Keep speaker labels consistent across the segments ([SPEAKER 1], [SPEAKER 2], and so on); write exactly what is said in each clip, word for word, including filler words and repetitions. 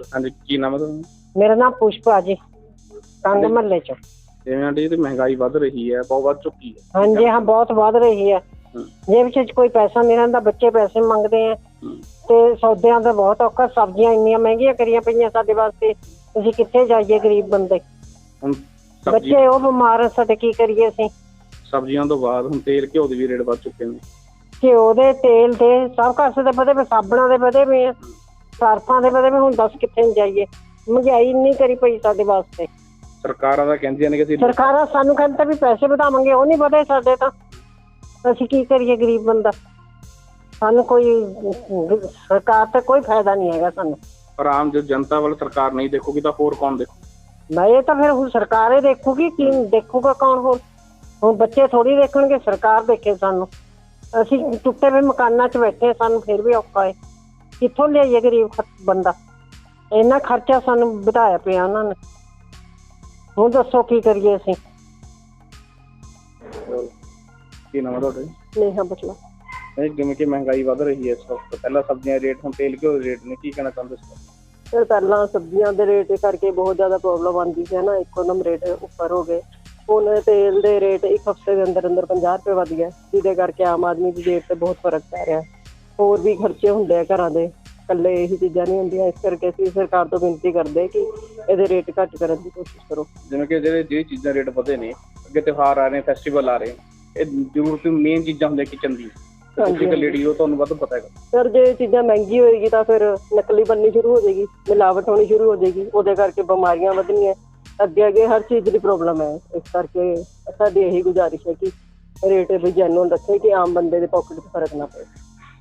[SPEAKER 1] ਹਾਂਜੀ, ਕੀ ਨਾਮ ਹੈ ਤੁਹਾਡਾ?
[SPEAKER 2] ਮੇਰਾ ਨਾਮ ਪੁਸ਼ਪਾ ਜੀ, ਕੰਗ ਮਹੱਲੇ ਚ।
[SPEAKER 1] ਜਿਵੇਂ ਆਂਟੀ ਤੇ ਮਹਿੰਗਾਈ ਵੱਧ ਰਹੀ ਹੈ, ਬਹੁਤ ਵੱਧ ਚੁੱਕੀ ਹੈ।
[SPEAKER 2] ਹਾਂਜੀ ਹਾਂ, ਬਹੁਤ ਵੱਧ ਰਹੀ ਹੈ। ਜੇਬ ਚ ਕੋਈ ਪੈਸਾ ਨਹੀਂ ਰਹਿੰਦਾ, ਬੱਚੇ ਪੈਸੇ ਮੰਗਦੇ ਆ ਤੇ ਸੌਦਿਆਂ ਦਾ ਬਹੁਤ ਔਖਾ। ਸਬਜ਼ੀਆਂ ਇੰਨੀਆਂ ਮਹਿੰਗੀਆਂ ਕਰੀਆਂ ਪਈਆਂ ਸਾਡੇ ਵਾਸਤੇ, ਅਸੀਂ ਕਿੱਥੇ ਜਾਈਏ ਗਰੀਬ ਬੰਦੇ।
[SPEAKER 1] ਹੁਣ
[SPEAKER 2] ਬੱਚੇ ਉਹ ਬਿਮਾਰ, ਸਾਡੇ ਕੀ ਕਰੀਏ ਅਸੀਂ।
[SPEAKER 1] ਸਬਜ਼ੀਆਂ ਤੋਂ ਬਾਅਦ ਹੁਣ ਤੇਲ ਘਿਓ ਦੇ ਵੀ ਰੇਟ ਵੱਧ ਚੁੱਕੇ ਨੇ।
[SPEAKER 2] ਘਿਓ ਦੇ, ਤੇਲ ਦੇ, ਸਭ ਕਾਸੇ ਦੇ ਵਧੇ ਪਏ, ਸਾਬਣਾਂ ਦੇ ਵਧੇ ਪਏ ਆ, ਸਰਫਾਂ ਦੇ ਵਧੇ ਪਏ। ਹੁਣ ਦੱਸ ਕਿੱਥੇ ਨੂੰ ਜਾਈਏ, ਮਹਿੰਗਾਈ ਇੰਨੀ ਕਰੀ ਪਈ ਸਾਡੇ ਵਾਸਤੇ।
[SPEAKER 1] ਸਰਕਾਰਾਂ ਤਾਂ ਕਹਿੰਦੀਆਂ ਨੇ ਕਿ ਅਸੀਂ
[SPEAKER 2] ਸਰਕਾਰਾਂ ਸਾਨੂੰ ਕਹਿੰਦੇ ਵੀ ਪੈਸੇ ਵਧਾਵਾਂਗੇ, ਉਹ ਨਹੀਂ ਵਧੇ ਸਾਡੇ ਤਾਂ। ਅਸੀਂ ਕੀ ਕਰੀਏ ਗਰੀਬ ਬੰਦਾ, ਸਾਨੂੰ ਕੋਈ ਸਰਕਾਰ ਤੇ ਕੋਈ ਫਾਇਦਾ ਨਹੀਂ ਹੈਗਾ ਸਾਨੂੰ।
[SPEAKER 1] ਪਰ ਆਮ ਜੋ ਜਨਤਾ ਵੱਲ ਸਰਕਾਰ ਨਹੀਂ ਦੇਖੂਗੀ ਤਾਂ ਹੋਰ ਕੌਣ ਦੇਖੂ?
[SPEAKER 2] ਮੈਂ ਇਹ ਤਾਂ ਫਿਰ ਹੁਣ ਸਰਕਾਰ ਹੀ ਦੇਖੂਗੀ, ਕੀ ਦੇਖੂਗਾ ਕੌਣ? ਹੋਰ ਹੁਣ ਬੱਚੇ ਥੋੜ੍ਹੀ ਦੇਖਣਗੇ, ਸਰਕਾਰ ਦੇਖੇ ਸਾਨੂੰ। ਅਸੀਂ ਟੁੱਟੇ ਹੋਏ ਮਕਾਨਾਂ 'ਚ ਬੈਠੇ, ਸਾਨੂੰ ਫਿਰ ਵੀ ਔਖਾ ਹੈ। ਕਿੱਥੋਂ ਲਿਆਈਏ ਗਰੀਬ ਬੰਦਾ? ਇੰਨਾ ਖਰਚਾ ਸਾਨੂੰ ਵਧਾਇਆ ਪਿਆ ਉਹਨਾਂ ਨੇ। ਹੁਣ ਦੱਸੋ ਕੀ ਕਰੀਏ ਅਸੀਂ?
[SPEAKER 1] ਕੀ ਨਾਮ ਹੈ ਤੁਹਾਡਾ?
[SPEAKER 2] ਨੇਹਾ ਬਟਲਾ।
[SPEAKER 1] ਜਿਵੇਂ ਕਿ ਮਹਿੰਗਾਈ ਵੱਧ ਰਹੀ ਹੈ ਇਸ ਵਕਤ, ਪਹਿਲਾਂ ਸਬਜ਼ੀਆਂ ਦੇ ਰੇਟ, ਹੁਣ ਤੇਲ ਘਿਓ ਦੇ ਰੇਟ ਨੇ, ਕੀ ਕਹਿਣਾ ਚਾਹੁੰਦੇ ਸੀ?
[SPEAKER 2] ਫਿਰ ਪਹਿਲਾਂ ਸਬਜ਼ੀਆਂ ਦੇ ਰੇਟ ਕਰਕੇ ਬਹੁਤ ਜ਼ਿਆਦਾ ਪ੍ਰੋਬਲਮ ਆਉਂਦੀ ਸੀ ਨਾ, ਇੱਕੋਦਮ ਰੇਟ ਉੱਪਰ ਹੋ ਗਏ। ਹੁਣ ਤੇਲ ਦੇ ਰੇਟ ਇੱਕ ਹਫ਼ਤੇ ਦੇ ਅੰਦਰ ਅੰਦਰ ਪੰਜਾਹ ਰੁਪਏ ਵੱਧ ਗਏ, ਜਿਹਦੇ ਕਰਕੇ ਆਮ ਆਦਮੀ ਦੀ ਜੇਬ 'ਤੇ ਬਹੁਤ ਫਰਕ ਪੈ ਰਿਹਾ। ਹੋਰ ਵੀ ਖਰਚੇ ਹੁੰਦੇ ਆ ਘਰਾਂ ਦੇ, ਇਕੱਲੇ ਇਹੀ ਚੀਜ਼ਾਂ ਨਹੀਂ ਹੁੰਦੀਆਂ। ਇਸ ਕਰਕੇ ਅਸੀਂ ਸਰਕਾਰ ਤੋਂ ਬੇਨਤੀ ਕਰਦੇ ਕਿ ਇਹਦੇ ਰੇਟ ਘੱਟ ਕਰਨ ਦੀ ਕੋਸ਼ਿਸ਼ ਕਰੋ।
[SPEAKER 1] ਜਿਵੇਂ ਕਿ ਜਿਹੜੇ ਜਿਹੜੀ ਚੀਜ਼ਾਂ ਰੇਟ ਵਧੇ ਨੇ, ਅੱਗੇ ਤਿਉਹਾਰ ਆ ਰਹੇ, ਫੈਸਟੀਵਲ ਆ ਰਹੇ, ਇਹ ਜ਼ਰੂਰਤ ਮੇਨ ਚੀਜ਼ਾਂ ਹੁੰਦੀਆਂ ਕਿਚਨ ਦੀ। ਤੁਸੀਂ ਇੱਕ ਲੇਡੀ ਹੋ, ਤੁਹਾਨੂੰ ਵੱਧ ਪਤਾ ਹੈਗਾ।
[SPEAKER 2] ਸਰ ਜੇ ਚੀਜ਼ਾਂ ਮਹਿੰਗੀ ਹੋਏਗੀ ਤਾਂ ਫਿਰ ਨਕਲੀ ਬਣਨੀ ਸ਼ੁਰੂ ਹੋ ਜਾਏਗੀ, ਮਿਲਾਵਟ ਹੋਣੀ ਸ਼ੁਰੂ ਹੋ ਜਾਏਗੀ, ਉਹਦੇ ਕਰਕੇ ਬਿਮਾਰੀਆਂ ਵਧਣੀਆਂ। ਅੱਗੇ ਅੱਗੇ ਹਰ ਚੀਜ਼ ਦੀ ਪ੍ਰੋਬਲਮ ਹੈ। ਇਸ ਕਰਕੇ ਸਾਡੀ ਇਹੀ ਗੁਜ਼ਾਰਿਸ਼ ਹੈ ਕਿ ਰੇਟ ਵੀ ਜੈਨੂਅਨ ਰੱਖੇ, ਕਿ ਆਮ ਬੰਦੇ ਦੇ ਪੋਕਟ 'ਚ ਫਰਕ ਨਾ ਪਏ।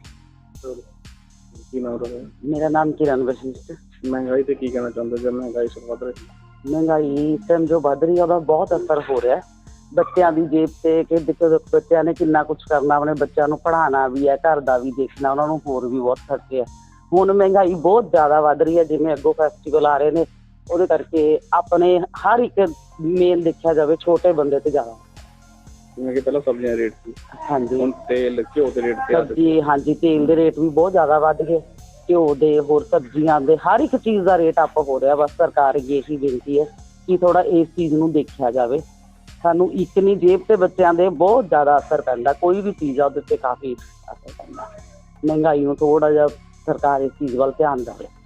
[SPEAKER 1] ਕੀ ਨਾਮ ਤੁਹਾਡਾ?
[SPEAKER 3] ਮੇਰਾ ਨਾਮ ਕਿਰਨ ਵਸ਼ਿਸ਼ਟ।
[SPEAKER 1] ਮਹਿੰਗਾਈ ਤੇ ਕੀ ਕਹਿਣਾ ਚਾਹੁੰਦੇ? ਜਦ ਮਹਿੰਗਾਈ ਸਿਰ ਵੱਧ ਰਹੀ,
[SPEAKER 3] ਮਹਿੰਗਾਈ ਇਸ ਟਾਈਮ ਜੋ ਵੱਧ ਰਹੀ ਹੈ ਉਹਦਾ ਬਹੁਤ ਅਸਰ ਹੋ ਰਿਹਾ ਬੱਚਿਆਂ ਦੀ ਜੇਬ 'ਤੇ। ਕਿ ਦੇਖੋ ਬੱਚਿਆਂ ਨੇ ਕਿੰਨਾ ਕੁਛ ਕਰਨਾ, ਆਪਣੇ ਬੱਚਿਆਂ ਨੂੰ ਪੜ੍ਹਾਉਣਾ ਵੀ ਹੈ, ਘਰ ਦਾ ਵੀ ਦੇਖਣਾ, ਉਹਨਾਂ ਨੂੰ ਹੋਰ ਵੀ ਬਹੁਤ ਖਰਚੇ ਹੈ। ਹੁਣ ਮਹਿੰਗਾਈ ਬਹੁਤ ਜ਼ਿਆਦਾ ਵੱਧ ਰਹੀ ਹੈ। ਜਿਵੇਂ ਅੱਗੋਂ ਫੈਸਟੀਵਲ ਆ ਰਹੇ ਨੇ, ਉਹਦੇ ਕਰਕੇ ਆਪਣੇ ਹਰ ਇੱਕ ਮੇਨ ਦੇਖਿਆ ਜਾਵੇ ਛੋਟੇ ਬੰਦੇ 'ਤੇ ਜ਼ਿਆਦਾ।
[SPEAKER 1] ਜਿਵੇਂ ਕਿ ਪਹਿਲਾਂ ਸਬਜ਼ੀਆਂ ਦੇ ਰੇਟ ਸੀ,
[SPEAKER 3] ਹਾਂਜੀ
[SPEAKER 1] ਹੁਣ ਤੇਲ ਘਿਓ ਦੇ ਰੇਟ ਤੇ
[SPEAKER 3] ਸਬਜ਼ੀ, ਹਾਂਜੀ ਤੇਲ ਦੇ ਰੇਟ ਵੀ ਬਹੁਤ ਜ਼ਿਆਦਾ ਵੱਧ ਗਏ, ਘਿਓ ਦੇ, ਹੋਰ ਸਬਜ਼ੀਆਂ ਦੇ, ਹਰ ਇੱਕ ਚੀਜ਼ ਦਾ ਰੇਟ ਅੱਪ ਹੋ ਰਿਹਾ। ਬਸ ਸਰਕਾਰ ਅੱਗੇ ਇਹੀ ਬੇਨਤੀ ਹੈ ਕਿ ਥੋੜ੍ਹਾ ਇਸ ਚੀਜ਼ ਨੂੰ ਦੇਖਿਆ ਜਾਵੇ। ਸਾਨੂੰ ਇੱਕ ਨਹੀਂ, ਜੇਬ 'ਤੇ ਬੱਚਿਆਂ ਦੇ ਬਹੁਤ ਜ਼ਿਆਦਾ ਅਸਰ ਪੈਂਦਾ। ਕੋਈ ਵੀ ਚੀਜ਼ ਆ ਉਹਦੇ 'ਤੇ ਕਾਫੀ ਅਸਰ ਪੈਂਦਾ। ਮਹਿੰਗਾਈ ਨੂੰ ਥੋੜ੍ਹਾ ਜਿਹਾ ਸਰਕਾਰ ਇਸ ਚੀਜ਼ ਵੱਲ ਧਿਆਨ ਦੇਵੇ।